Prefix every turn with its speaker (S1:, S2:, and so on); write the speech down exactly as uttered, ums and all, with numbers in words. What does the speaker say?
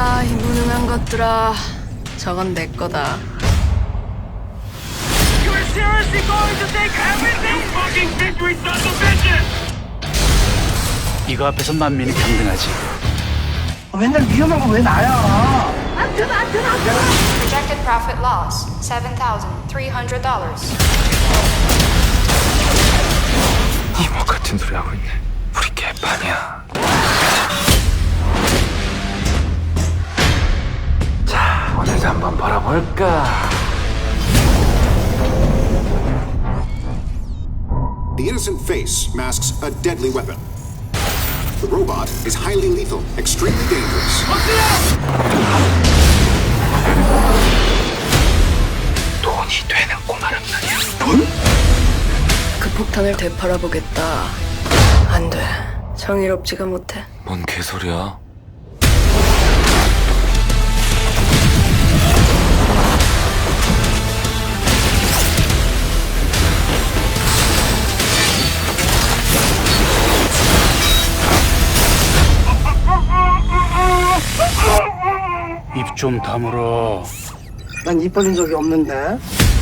S1: 야, 이 무능한 것들아. 저건 내 거다.
S2: You're seriously going to take everything? You fucking victory son of a bitch!
S3: 이거 앞에서 만민이 평등하지.
S4: 맨날 위험한 거 왜 나야?
S5: Projected profit loss seven thousand three hundred dollars.
S6: 이모 같은 소리 하고 있네. 우리 개판이야. 자, 오늘도 한번 벌어볼까?
S7: The innocent face masks a deadly weapon. The robot is highly lethal, extremely dangerous.
S6: 돈이 되는 꼬마란 말이야.
S1: 그 폭탄을 되팔아보겠다. 안 돼. 정의롭지가 못해.
S6: 뭔 개소리야?
S3: 입 좀 다물어.
S4: 난 입 벌린 적이 없는데.